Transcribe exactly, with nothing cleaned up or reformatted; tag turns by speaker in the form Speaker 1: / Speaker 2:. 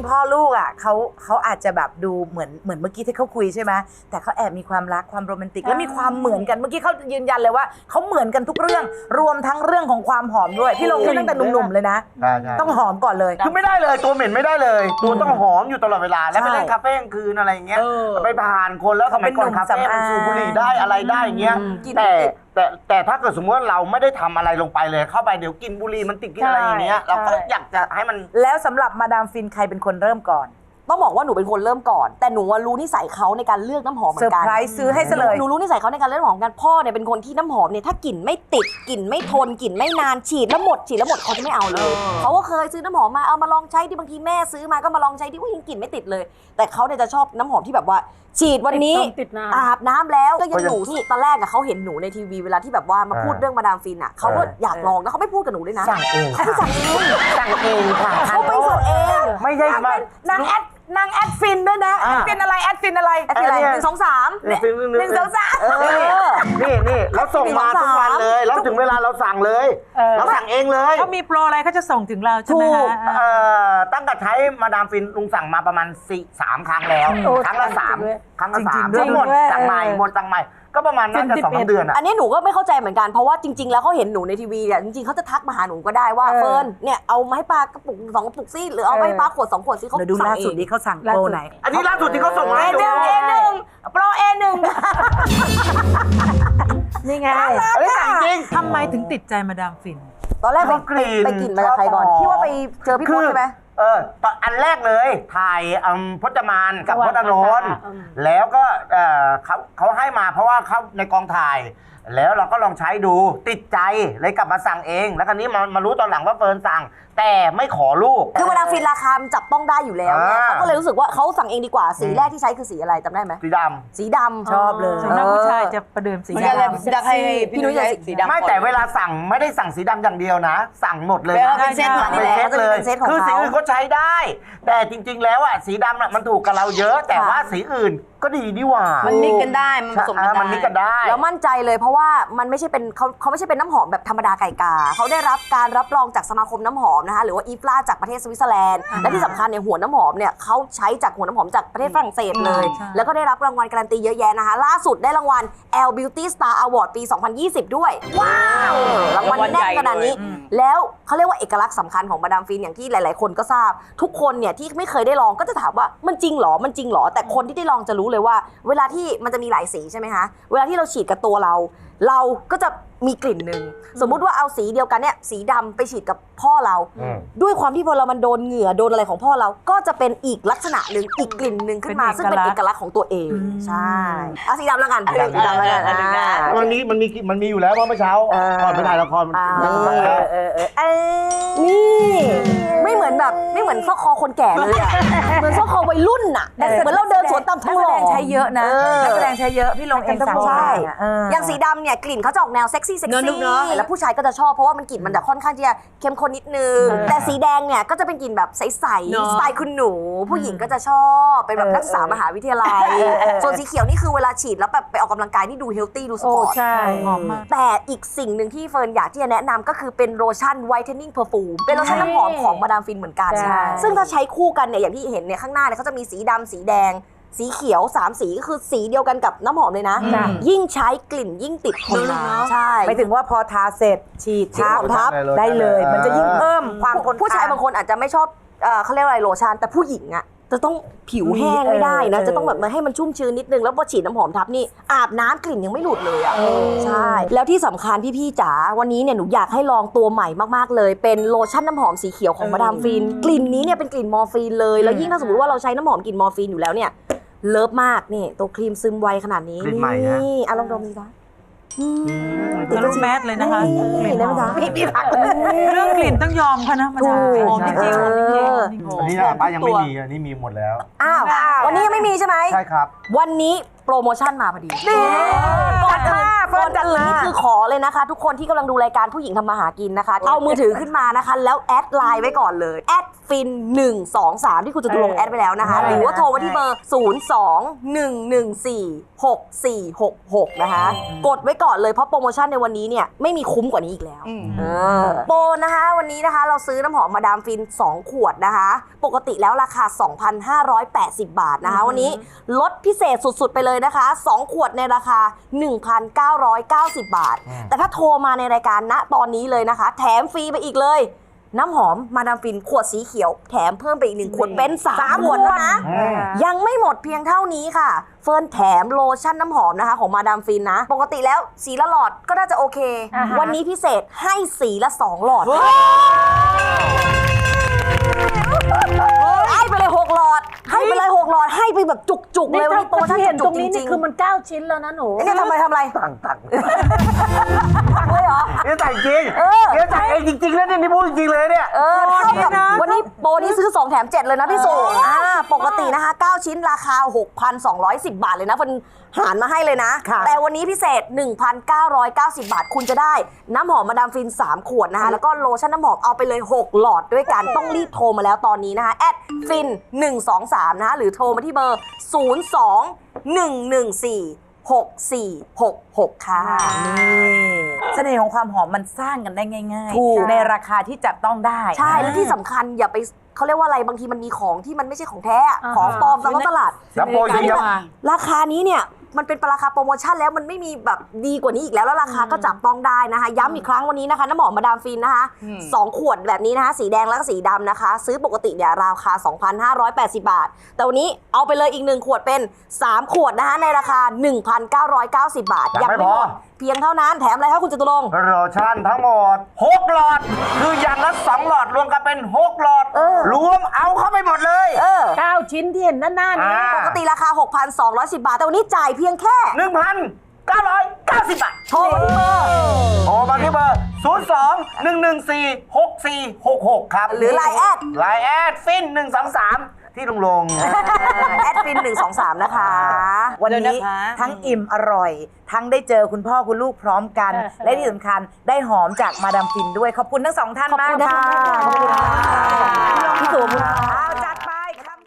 Speaker 1: พ่อลูกอ่ะเขาเขาอาจจะแบบดูเหมือนเหมือนเมื่อกี้ที่เขาคุยใช่ไหมแต่เขาแอบมีความรักความโรแมนติกและมีความเหมือนกันเมื่อกี้เขายืนยันเลยว่าเขาเหมือนกันทุกเรื่องรวมทั้งเรื่องของความหอมด้วยพี่ลงตั้งแต่หนุ่มๆเลยนะต้องหอมก่อนเลย
Speaker 2: คือไม่ได้เลยตัวเหม็นไม่ได้เลยตัวต้องหอมอยู่ตลอดเวลาแล้วไปเล่นคาเฟ่กลางคืนอะไรอย่างเงี้ยไปผ่านคนแล้วสมัยก่อนคาเฟ่มันสูบบุหรี่ได้อะไรได้อย่างเงี้ยแต่แต่แต่ถ้าเกิดสมมติว่าเราไม่ได้ทำอะไรลงไปเลยเข้าไปเดี๋ยวกินบุหรี่มันติดกินอะไรอย่างเงี้ยเราก็อยากจะให้มัน
Speaker 1: แล้วสำหรับมาดามฟินใครเป็นคนเริ่มก่อน
Speaker 3: ต้องบอกว่าหนูเป็นคนเริ่มก่อนแต่หนูรู้นิสัยเขาในการเลือกน้ำหอมเหมือนกัน
Speaker 1: เซอร์ไพรส์ซื้อให้ซะเลย
Speaker 3: หนูรู้นิสัยเขาในการเลือกน้ำหอมกันพ่อเนี่ยเป็นคนที่น้ำหอมเนี่ยถ้ากลิ่นไม่ติดกลิ่นไม่ทนกลิ่นไม่นานฉีดแล้วหมดฉีดแล้วหมดเขาจะไม่เอาเลยเขาก็เคยซื้อน้ำหอมมาเอามาลองใช้ที่บางทีแม่ซื้อมาก็มาลองใช้ที่ว่ายังกลิ่นไม่ติดเลยแต่เขาเนี่ยจะชอบน้ำหอมที่แบบว่าฉีดวันนี้อาบน้ำแล้วก็ยังอยู่ที่ตอนแรกอะเขาเห็นหนูในทีวีเวลาที่แบบว่ามาพูดเรื่องมาดามฟินอะเขาก็อยากลองแล้วเขาไม่พูดกับหนูด้วยนะ
Speaker 2: สั่งเอง
Speaker 3: เขาสั่งเอง
Speaker 2: สั่งเองค่ะ
Speaker 3: เขาไม่สั่งเอง
Speaker 2: ไม่ใช่ม
Speaker 1: านางแอดนางแอดฟินด้วยนะแอดฟินอะไรแอดฟินอะไร
Speaker 3: แอดฟินอะไรหนึ่งสองสาม
Speaker 1: หนึ่งสองสาม
Speaker 2: นี่นี่เราส่งมาทุกวันเลยแล้วถึงเวลาเราสั่งเลยเราสั่งเองเลย
Speaker 4: เขามีโปรอะไรเขาจะส่งถึงเราใช่ไหมคะ
Speaker 2: ตั้งแต่ใช้มาดามฟินลุงสั่งมาประมาณสี่สามครั้งแล้วครั้งละสามครั้งละสามทั้งหมดสั่งใหม่หมดสั่งใหม่ก็ประมาณน่าจะสองเดือนอ่ะ
Speaker 3: อันนี้หนูก็ไม่เข้าใจเหมือนกันเพราะว่าจริงๆแล้วเขาเห็นหนูในทีวีเนี่ยจริงๆเขาจะทักมาหาหนูก็ได้ว่าเฟิร์นเนี่ยเอามาให้ปลากระปุกสองกระปุกซิหรือเอาไปปลาขวดสองขวดซิเขา
Speaker 1: ดูล่าสุดนี้เขาสั่งโปรไหน
Speaker 2: อันนี้ล่าสุดที่เขาส่งมา
Speaker 1: เอหนึ่งเอหนึ่งโปรเอหนึ่งนี่ไง
Speaker 2: อันนี้สั่งจริง
Speaker 4: ทำไมถึงติดใจมาดามฟิน
Speaker 3: ตอนแรกไปไปกลิ่นมาจากใครก่อนที่ว่าไปเจอพี่พจน์ใช่ไหม
Speaker 2: เออตอนอันแรกเลยถ่ายพจมานกับพจน์อานนท์แล้วก็เขาเขาให้มาเพราะว่าเขาในกองถ่ายแล้วเราก็ลองใช้ดูติดใจเลยกลับมาสั่งเองแล้วคราวนี้มามารู้ตอนหลังว่าเฟิร์นสั่งแต่ไม่ขอลูก
Speaker 3: คือมาดามฟินราคาจับต้องได้อยู่แล้วเนี่ยเขาก็เลยรู้สึกว่าเขาสั่งเองดีกว่าสีแรกที่ใช้คือสีอะไรจำได้ไหม
Speaker 2: สีดำ
Speaker 3: สีดำ
Speaker 1: ชอบเลย
Speaker 4: สำหรับผู้ชายจะประเดิมสีด
Speaker 5: ำจะให้พี่นุ้ยใช้สีดำ
Speaker 2: ไม่แต่เวลาสั่งไม่ได้สั่งสีดำอย่างเดียวนะสั่งหมดเลย
Speaker 3: เป็นเซต
Speaker 2: เป็นเซตเลยคือสีอื่นเขาใช้ได้แต่จริงๆแล้วอ่ะสีดำน่ะมันถูกกับเราเยอะแต่ว่าสีอื่นก็ดีดีว่า
Speaker 5: มันมิกกันได้มันผสมกันได้
Speaker 2: มันมิกกันได้
Speaker 3: แล้วมั่นใจเลยเพราะว่ามันไม่ใช่เป็นเขาเขาไม่ใช่เป็นน้ำหอมแบบธรรมดาไก่กาเขาได้รับการรับรองจากสมาคมน้ำหอมนะคะหรือว่าอีฟลาจากประเทศสวิตเซอร์แลนด์และที่สำคัญเนี่ยหัวน้ำหอมเนี่ยเขาใช้จากหัวน้ำหอมจากประเทศฝรั่งเศสเลยแล้วก็ได้รับรางวัลการันตีเยอะแยะนะคะล่าสุดได้รางวัล แอล Beauty Star Award ปี สองพันยี่สิบ ด้วยว้าวรางวัลแน่นขนาดนี้แล้วเขาเรียกว่าเอกลักษณ์สำคัญของมาดามฟินอย่างที่หลายๆคนก็ทราบทุกคนเนี่ยที่ไม่เคยได้ลองก็จะถามว่ามันจริงหรอมันจริงหรอแต่คนที่ได้ลองจะรู้เลยว่าเวลาที่มันจะมีหลายสีใช่ไหมคะเวลาที่เราฉีดกับตัวเราเราก็จะมีกลิ่นหนึ่งสมมุติว่าเอาสีเดียวกันเนี่ยสีดำไปฉีดกับพ่อเราด้วยความที่พอเรามันโดนเหงื่อโดนอะไรของพ่อเราก็จะเป็นอีกลักษณะหนึ่งอีกกลิ่นหนึ่งขึ้นมาซึ่งเป็นเอกลักษณ์ของตัวเองใช่เอาสีดำแล้วกันสีดำแล้วกัน
Speaker 2: มันมีมันมีมันมีอยู่แล้วเพราะเมื่อเช้าก่อนไปถ่ายละคร
Speaker 3: นี่ไม่เหมือนแบบไม่เหมือนซอกคอคนแก่เลยอะเหมือนซอกคอวัยรุ่นอะเหมือนเราเดินสวนตามทุ่งหล่อ
Speaker 1: ใช้เยอะนะนักแสดงใช้เยอะพี่ลงเองสั่งใช่
Speaker 3: อย่างสีดำเนี่ยกลิ่นเขาจะออกแนวเซ็กซี่เซ็กซี่แล้วผู้ชายก็จะชอบเพราะว่ามันกลิ่นมันจะค่อนข้างที่จะเข้มข้นนิดนึงแต่สีแดงเนี่ยก็จะเป็นกลิ่นแบบใสๆสไตล์คุณหนูผู้หญิงก็จะชอบเป็นแบบนักศึกษามหาวิทยาลัยส่วนสีเขียวนี่คือเวลาฉีดแล้วแบบไปออกกำลังกายนี่ดูเฮลตี้ดูสปอร์ต
Speaker 1: ใช่หอมมาก
Speaker 3: แต่อีกสิ่งหนึ่งที่เฟิร์นอยากที่จะแนะนำก็คือเป็นโลชั่นไวท์เทนนิ่งเพอร์ฟูมเป็นโลชั่นน้ำหอมของมาดามฟินเหมือนกันซึ่งถ้าใช้คู่กันเนี่ยอย่างที่เห็นเนี่ยข้างหน้าเนี่ยเขาจะมีสีดำสีแดงสีเขียวสามสีก็คือสีเดียวกันกับน้ำหอมเลยนะยิ่งใช้กลิ่นยิ่งติดทนนานใช่
Speaker 1: ไปถึงว่าพอทาเสร็จฉีดทับทับได้เลยมันจะยิ่งเพิ่มความทน
Speaker 3: ผู้ชายบางคนอาจจะไม่ชอบเขาเรียกอะไรโลชั่นแต่ผู้หญิงอะจะต้องผิวแห้งไม่ได้นะจะต้องแบบมาให้มันชุ่มชื้นนิดนึงแล้วพอฉีดน้ำหอมทับนี่อาบน้ำกลิ่นยังไม่หลุดเลยอ่ะใช่แล้วที่สำคัญพี่ๆจ๋าวันนี้เนี่ยหนูอยากให้ลองตัวใหม่มากๆเลยเป็นโลชั่นน้ำหอมสีเขียวของมาดามฟินกลิ่นนี้เนี่ยเป็นกลิ่นมอร์ฟีนเลยแล้วยิ่งถ้าสมมติว่าเราใช้น้ำหอมกลิ่นมอร์ฟีนอยู่แล้วเนี่ยเลิฟมากนี่ตัวครีมซึมไวขนาดนี้นี่อ่ะลองดมดูจ้ะ
Speaker 4: ติดลูกแมสเลยนะคะ
Speaker 3: กลิ่นได้ไหมจ๊ะ
Speaker 4: เรื่องกลิ่นต้องยอมค่ะนะมาดามหอมจริงๆหอมจริง
Speaker 2: ๆอันนี้ป้ายังไม่มีอันนี้มีหมดแล้ว
Speaker 3: อ้าววันนี้ยังไม่มีใช่ไหม
Speaker 2: ใช่ครับ
Speaker 3: วันนี้โปรโมชั่นมาพอดีก่อนอื่นก่อนอื่นนี่คือขอเลยนะคะทุกคนที่กำลังดูรายการผู้หญิงทำมาหากินนะคะเอามือถือขึ้นมานะคะแล้วแอดไลน์ไว้ก่อนเลยแอดฟินหนึ่งสองสามที่คุณจะลงแอดไปแล้วนะคะหรือว่าโทรมาที่เบอร์ศูนย์ สอง หนึ่ง หนึ่ง สี่ หก สี่ หก หกนะคะกดไว้ก่อนเลยเพราะโปรโมชั่นในวันนี้เนี่ยไม่มีคุ้มกว่านี้อีกแล้วโปรนะคะวันนี้นะคะเราซื้อน้ำหอมมาดามฟินสองขวดนะคะ ปกติแล้วราคา สองพันห้าร้อยแปดสิบ บาทนะคะวันนี้ลดพิเศษสุดๆไปเลยนะคะสองขวดในราคา หนึ่งพันเก้าร้อยเก้าสิบ บาท แต่ถ้าโทรมาในรายการณตอนนี้เลยนะคะ แถมฟรีไปอีกเลยน้ำหอมมาดามฟินขวดสีเขียวแถมเพิ่มไปอีกหนึ่งขวดเป็นสามขวดแล้วนะยังไม่หมดเพียงเท่านี้ค่ะเฟิร์นแถมโลชั่นน้ำหอมนะคะของมาดามฟินนะปกติแล้วสีละหลอดก็น่าจะโอเค วันนี้พิเศษให้สีละสองหลอดให้ไปเลยหกหลอดให้ไปเลยหกหลอดให้ไปแบบจุกๆเลยวันนี้โปรโมชั่นจุกๆจริงๆคือมันเก้าชิ้นแล้วนะหนูเนี่ยทำไมทำอะไร
Speaker 2: ต่างต่าง
Speaker 3: ตักเลยเหรอ
Speaker 2: นี่แต่งจริง
Speaker 3: เออ
Speaker 2: นี่แต่งเองจริงๆแล้วเนี่ยนี่พูดจริงๆเลยเนี่ย
Speaker 3: เออเท่ากับวันนี้โปรนี้ซื้อสองแถมเจ็ดเลยนะพี่สุอ่าปกตินะคะเก้าชิ้นราคา หกพันสองร้อยสิบ บาทเลยนะมันหารมาให้เลยนะ แต่วันนี้พิเศษ หนึ่งพันเก้าร้อยเก้าสิบ บาทคุณจะได้น้ำหอมมาดามฟินสามขวดนะคะแล้วก็โลชั่นน้ำหอมเอาไปเลยหกหลอดด้วยกันต้องรีบโทรมาแล้วตอนนี้นะคะแอดฟินหนึ่งสองสามนะคะหรือโทรมาที่เบอร์ศูนย์ สอง หนึ่ง หนึ่ง สี่ หก สี่ หก หกค่ะ
Speaker 1: นี่เสน่ห์ของความหอมมันสร้างกันได้ง่าย
Speaker 3: ถูก
Speaker 1: ๆ ในราคาที่จับต้องได้
Speaker 3: ใช่และที่สำคัญอย่าไปเขาเรียกว่าอะไรบางทีมันมีของที่มันไม่ใช่ของแท้อะของปลอมตามท้องตลาด
Speaker 2: แล้วโปรจริงครับ
Speaker 3: ราคานี้เนี่ยมันเป็นราคาโปรโมชั่นแล้วมันไม่มีแบบดีกว่านี้อีกแล้วแล้วราคาก็จับต้องได้นะคะย้ำอีกครั้งวันนี้นะคะน้ำหอมมาดามฟินนะคะสองขวดแบบนี้นะคะสีแดงแล้วก็สีดำนะคะ ซื้อปกติเนี่ยราคา สองพันห้าร้อยแปดสิบ บาท แต่วันนี้เอาไปเลยอีกหนึ่งขวดเป็นสามขวดนะคะในราคา หนึ่งพันเก้าร้อยเก้าสิบ บาท
Speaker 2: ยังไม่พอ
Speaker 3: เพียงเท่านั้นแถมอะไรคะคุณจตุรงค์
Speaker 2: โลชั่นทั้งหมดหกหลอด คืออย่างละสองหลอดรวมกันเป็นหกหลอด
Speaker 3: เออ
Speaker 2: รวมเอาเข้าไปหมดเลย
Speaker 3: เออ
Speaker 4: เก้าชิ้นที่เห็นด้านหน้านี้
Speaker 2: อ่า
Speaker 3: ปกติราคา หกพันสองร้อยสิบ บาท แต่วันนี้จ่ายเพียงแค่
Speaker 2: หนึ่งพันเก้าร้อยเก้าสิบบาท
Speaker 3: โทรมาที่เบอร์
Speaker 2: โทรมาที่เบอร์ ศูนย์ สอง หนึ่ง หนึ่ง สี่ หก สี่ หก หก ครับ
Speaker 3: หรือ ไลน์ แอด
Speaker 2: ไลน์แอดฟินหนึ่งสองสามที่ลงลง
Speaker 3: แอดฟินหนึ่งสองสามนะคะ
Speaker 1: วัน
Speaker 5: เดี๋ยว
Speaker 1: นี้
Speaker 5: นะคะ
Speaker 1: ทั้งอิ่มอร่อย ทั้งได้เจอคุณพ่อคุณลูกพร้อมกัน และที่สำคัญได้หอมจากมาดามฟินด้วย ขอบคุณทั้งสองท่านมาก
Speaker 3: ขอบคุณนะคะ
Speaker 1: ค่ะขอบคุณค่ะพี่สุขอบคุณค่ะ